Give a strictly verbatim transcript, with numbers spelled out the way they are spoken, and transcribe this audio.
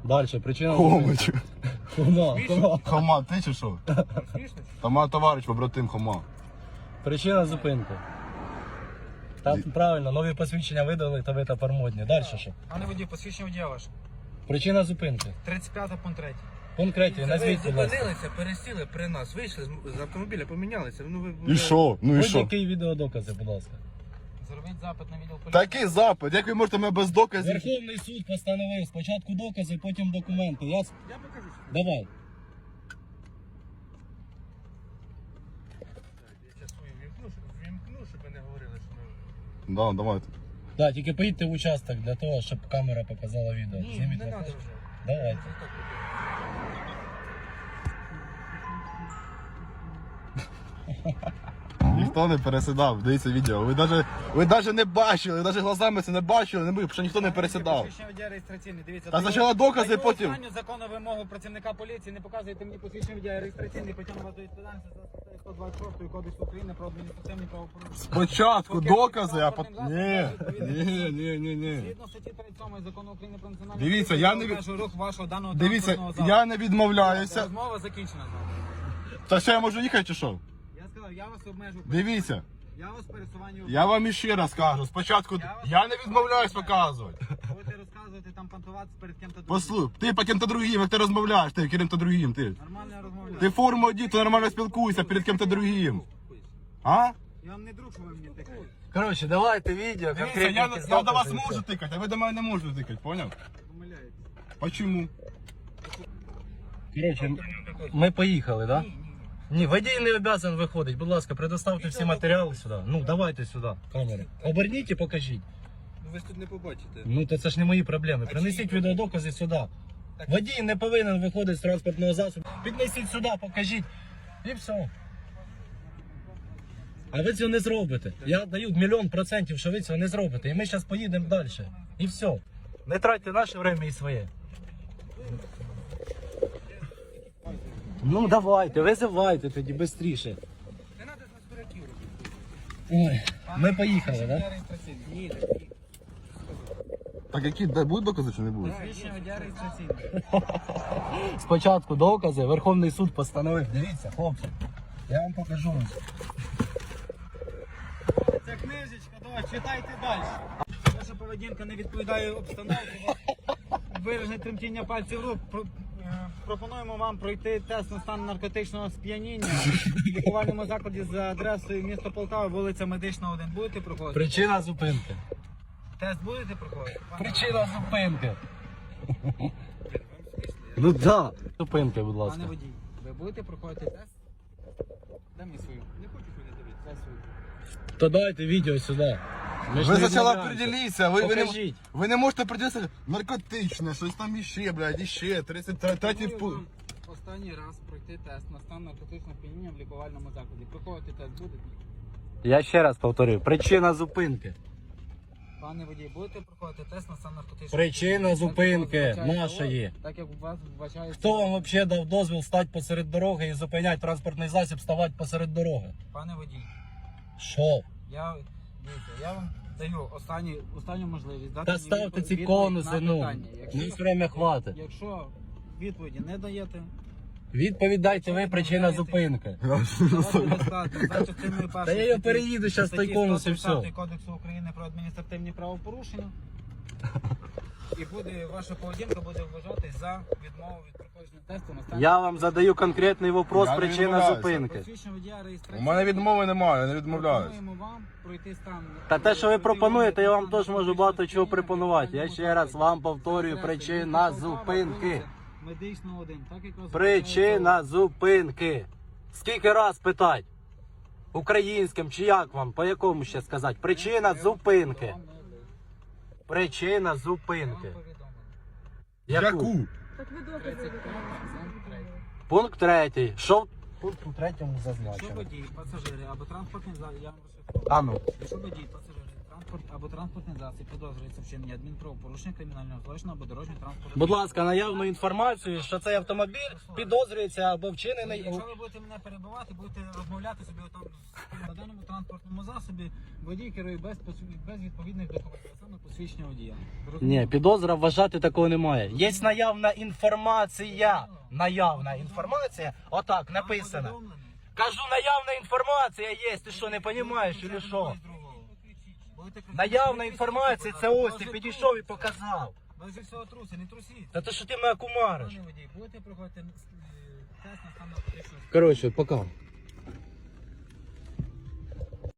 Дальше, причина Хомич. Хома, Хома. Хома, ти чи що? Тома товариш, побратим Хома. Причина зупинки. Там правильно, нові посвідчення видали, та ви тепер модні. Далі що? Пане водій, посвідчення водія ваше. Причина зупинки. тридцять п'ятий пункт третій. Пункт третій, назвіть, будь ласка. Зупинилися, пересіли при нас, вийшли з- з автомобіля, помінялися. Ну, ви, І що? Ну і що? Будь-які відеодокази, будь ласка. Зробіть запит на відділ поліції. Такий запит, як ви можете мене без доказів? Верховний суд постановив спочатку докази, потім документи. Я... с- Я покажу. Давай. Я зараз свою вімкну, щоб, вімкну, щоб ви не говорили, що ми... Да, давайте. Да, тільки поїдьте в участок для того, щоб камера показала відео. Ні, Зніміть не на треба фото. вже. Давайте. Це так буде. Ніхто не пересідав, дивіться відео. Ви навіть ви навіть не бачили, ви навіть глазами це не бачили, не бачили, що ніхто не пересідав. Посвідчення водія реєстраційний, дивіться. Та даю- спочатку докази, даю потім- останню законну вимогу працівника поліції, не показуйте мені посвідчення водія реєстраційний, потім вас до відповідальності за статтею сто двадцять шість Кодексу України про адміністративні правопорушення. Спочатку Поки докази, а транспортним потім... засобом Ні, відповідно- ні, ні, ні, ні. Згідно статті тридцять сьомої закону України про національну Дивіться, поліцію, я не від- обмежую рух вашого даного Дивіться, транспортного засобу. я не відмовляюся. Розмова закінчена з вами. Та ще я можу їхати чи що? Я сказав, я вас обмежу. Дивіться, Я вас пересуванню. я вам іще раз кажу, спочатку я не відмовляюсь показувати. Будете розказувати там понтуватися перед ким-то другим. Послухай, ти по ким-то другим, як ти розмовляєш, ти ким-то другим, ти. Нормально розмовляю. Ти форму одій, то нормально спілкуйся перед ким-то другим. А? Я вам не друг, що ви мені тикаєте. Коротше, давайте відео, Дивіться, конкретні я, якісь я до вас докази, і можу все. тикати, а ви до мене не можете тикати, поняв? Помиляєтесь. Почему? Коротше, ми поїхали, так? Да? Ні, водій не обов'язаний виходити. Будь ласка, предоставте всі матеріали сюди. Ну, давайте сюди, камери. Оберніть і покажіть. Ну, ви ж тут не побачите. Ну, то це ж не мої проблеми. Принесіть відеодокази сюди. Водій не повинен виходити з транспортного засобу. Піднесіть сюди, покажіть. І все. А ви цього не зробите. Я даю мільйон процентів, що ви цього не зробите. І ми зараз поїдемо далі. І все. Не тратьте наше время і своє. Ну давайте, визивайте тоді швидше. Не треба з нас дураків робити. Ой, ми поїхали, так? Да? Реєстраційний. Ні, ні. Так які, де будуть докази чи не будуть? Посвідчення водія реєстраційний. Спочатку докази, Верховний суд постановив. Дивіться, хлопці, я вам покажу. Це книжечка, давай, читайте далі. Ваша поведінка не відповідає обстановці. Виражене тремтіння пальців рук. Про- е, Пропонуємо вам пройти тест на стан наркотичного сп'яніння в лікувальному закладі за адресою місто Полтава, вулиця Медична, один. Будете проходити? Причина зупинки. Тест будете проходити? Пане- Причина зупинки. Ну да. Зупинки, будь Пане ласка. водій, ви будете проходити тест? Дай мені свою. Не хочу мене дивитися. Дай свою. То дайте відео сюди. Ми ж Ви не спочатку відмовляємося. определіться, ви, ви, не, Покажіть. ви не можете приділитися наркотичне, щось там іще, блядь, іще, тридцять третій Пропоную пункт. вам останній раз пройти тест на стан наркотичного сп'яніння в лікувальному закладі. Проходити тест будете? Я ще раз повторюю. Причина зупинки. Пане водій, будете проходити тест на стан наркотичного Причина сп'яніння? зупинки Так, як вас вбачає нашої. ООС, Так як у вас вбачає... Хто вам взагалі дав дозвіл стати посеред дороги і зупиняти транспортний засіб, ставати посеред дороги? Пане водій, Що? я, дивіться, я вам даю останню, останню можливість дати Та мені ставте відповідь ці на конуси, ну. питання. Нас время хватить. Якщо відповіді не даєте, Відповідь дайте ви, причина зупинки. то вас буде складно за частиною першої Та я його статті- переїду зараз той статті конус і сто тридцять все. Кодексу України про адміністративні правопорушення. І буде ваша поведінка буде вважатись за відмову від проходження тесту на стан. Я вам задаю конкретний вопрос, Я не причина відмовляюся. зупинки. Посвідчення водія У реєстрації. мене відмови немає, я не відмовляюсь. Пропонуємо вам пройти стан. Та те, що ви пропонуєте, я вам теж можу багато чого сп'яніння пропонувати. Я в ще раз вам повторюю, Адреса причина місто Полтава, зупинки. вулиця Медична один. Так як вас Причина зупинки. Скільки раз питать? Українським чи як вам? По якому ще сказати? Причина зупинки. Причина Вам зупинки. повідомлено. Яку? Так ви докази тридцять виконуєте. Пункт третій. Що в пункту третьому Якщо зазначено? водій, пасажири або транспортний засіб, я вам розшифрую. А ну. Якщо водій, пасажири, Транспорт або транспортний засіб підозрюється вчинення адмінправопорушення, кримінального злочину або дорожнього транспорту. Будь ласка, наявну інформацію, що цей автомобіль підозрюється або вчинений. у- Якщо ви будете мене перебивати, будете розмовляти собі там на даному транспортному засобі, водій керує без, посвід- без відповідних документів, а саме посвідчення водія. Ні, підозра вважати такого немає. Є наявна інформація. Наявна інформація. Отак написано. Кажу, наявна інформація є. Ти що, не розумієш, чи що? Наявна інформація, це ось ти підійшов і показав. Ви вже всього труси, не трусіть. Та ти що ти мене кумариш? Пане водій, будете проходити е, тест на стан наркотичного Коротше, пока.